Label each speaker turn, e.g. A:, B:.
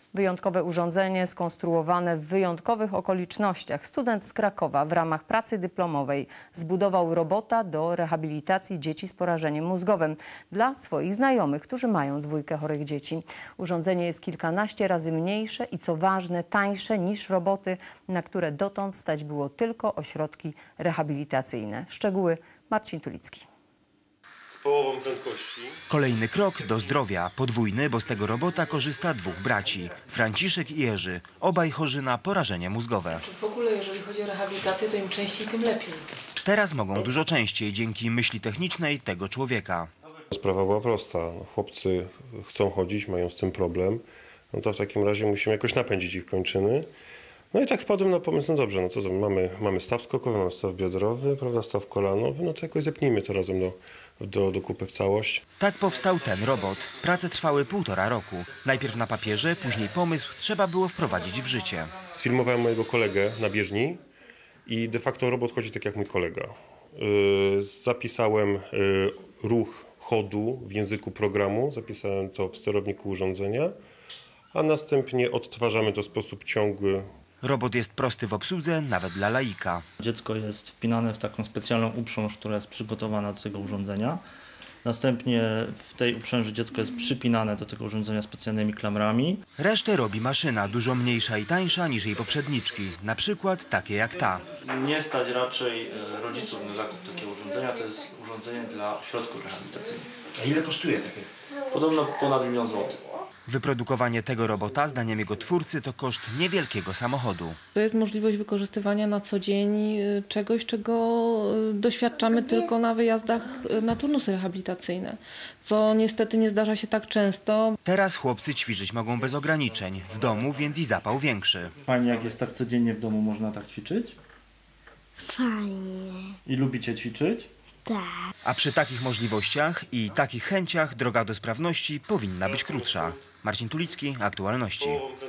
A: Wyjątkowe urządzenie skonstruowane w wyjątkowych okolicznościach. Student z Krakowa w ramach pracy dyplomowej zbudował robota do rehabilitacji dzieci z porażeniem mózgowym dla swoich znajomych, którzy mają 2 chorych dzieci. Urządzenie jest kilkanaście razy mniejsze i co ważne tańsze niż roboty, na które dotąd stać było tylko ośrodki rehabilitacyjne. Szczegóły Marcin Tulicki.
B: Z połową prędkości.
C: Kolejny krok do zdrowia, podwójny, bo z tego robota korzysta 2 braci, Franciszek i Jerzy, obaj chorzy na porażenie mózgowe.
D: W ogóle jeżeli chodzi o rehabilitację, to im częściej, tym lepiej.
C: Teraz mogą dużo częściej dzięki myśli technicznej tego człowieka.
B: Sprawa była prosta. No, chłopcy chcą chodzić, mają z tym problem. No to w takim razie musimy jakoś napędzić ich kończyny. No i tak wpadłem na pomysł, no dobrze, no to mamy staw skokowy, mamy staw biodrowy, prawda, staw kolanowy, no to jakoś zepnijmy to razem do kupy w całość.
C: Tak powstał ten robot. Prace trwały 1,5 roku. Najpierw na papierze, później pomysł trzeba było wprowadzić w życie.
B: Sfilmowałem mojego kolegę na bieżni i de facto robot chodzi tak jak mój kolega. Zapisałem ruch chodu w języku programu, zapisałem to w sterowniku urządzenia, a następnie odtwarzamy to w sposób ciągły.
C: Robot jest prosty w obsłudze, nawet dla laika.
E: Dziecko jest wpinane w taką specjalną uprząż, która jest przygotowana do tego urządzenia. Następnie w tej uprzęży dziecko jest przypinane do tego urządzenia specjalnymi klamrami.
C: Resztę robi maszyna, dużo mniejsza i tańsza niż jej poprzedniczki, na przykład takie jak ta.
E: Nie stać raczej rodziców na zakup takiego urządzenia, to jest urządzenie dla ośrodków rehabilitacyjnych.
C: A ile kosztuje takie?
E: Podobno ponad 1 000 000 złotych.
C: Wyprodukowanie tego robota, zdaniem jego twórcy, to koszt niewielkiego samochodu.
F: To jest możliwość wykorzystywania na co dzień czegoś, czego doświadczamy tylko na wyjazdach na turnusy rehabilitacyjne, co niestety nie zdarza się tak często.
C: Teraz chłopcy ćwiczyć mogą bez ograniczeń, w domu więc i zapał większy.
E: Fajnie, jak jest tak codziennie w domu, można tak ćwiczyć?
G: Fajnie.
E: I lubicie ćwiczyć?
G: Tak.
C: A przy takich możliwościach i takich chęciach droga do sprawności powinna być krótsza. Marcin Tulicki, Aktualności.